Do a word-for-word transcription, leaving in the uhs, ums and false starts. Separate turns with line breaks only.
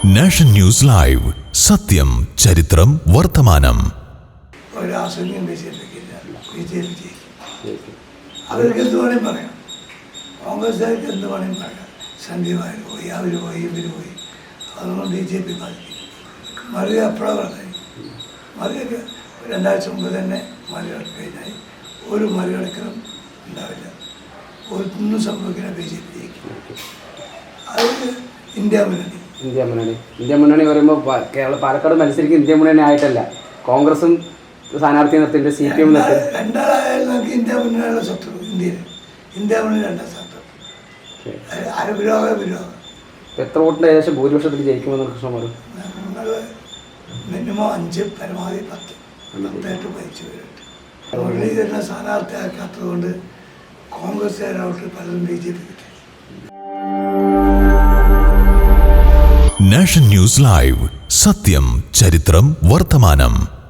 Nation news live, സത്യം, ചരിത്രം, വർത്തമാനം.
അവർക്ക് എന്ത് വേണമെങ്കിൽ പറയാം, കോൺഗ്രസ്സുകാർക്ക് എന്ത് വേണമെങ്കിൽ പറയാം. സന്ധ്യമാർ പോയി, അവർ പോയി, ഇവർ പോയി, അതൊന്നും ബി ജെ പി ബാധിക്കും. മറിയ എപ്പോഴാണ് പറഞ്ഞത്? മറിയൊക്കെ രണ്ടാഴ്ച മുമ്പ് തന്നെ മറികടക്ക് കഴിഞ്ഞാൽ ഒരു മറികടക്കലും ഉണ്ടാവില്ല. ഒന്നും സംഭവിക്കുന്ന ബി ജെ പി അത് ഇന്ത്യ മുന്നണി
ഇന്ത്യ മുന്നണി ഇന്ത്യ മുന്നണി പറയുമ്പോൾ കേരള പാലക്കാട് മത്സരിക്കുന്ന ഇന്ത്യ മുന്നണി ആയിട്ടല്ല, കോൺഗ്രസും സ്ഥാനാർത്ഥി നിർത്തിയിട്ട് സി പി എം നിർത്തി
രണ്ടാളായാലും നമുക്ക് ഇന്ത്യ മുന്നണിയുള്ള ശത്രു ഇന്ത്യയിൽ ഇന്ത്യ മുന്നണി രണ്ടാം ശത്രു അരവിരോഗ വിരോധം.
എത്ര വോട്ടിൻ്റെ ഏകദേശം ഭൂരിപക്ഷത്തിൽ ജയിക്കുമെന്ന് കൃഷ്ണൻ പറയും?
നമ്മൾ മിനിമം അഞ്ച്, പരമാവധി പത്ത് പത്തായിട്ട് പതിച്ചു വരട്ടെ. മുരളീധരനെ സ്ഥാനാർത്ഥിയാക്കാത്തത് കൊണ്ട് കോൺഗ്രസ്സുകാരോട്ട് പലരും ബി ജെ പി കിട്ടി.
നാഷൻ ന്യൂസ് ലൈവ്, സത്യം, ചരിത്രം, വർത്തമാനം.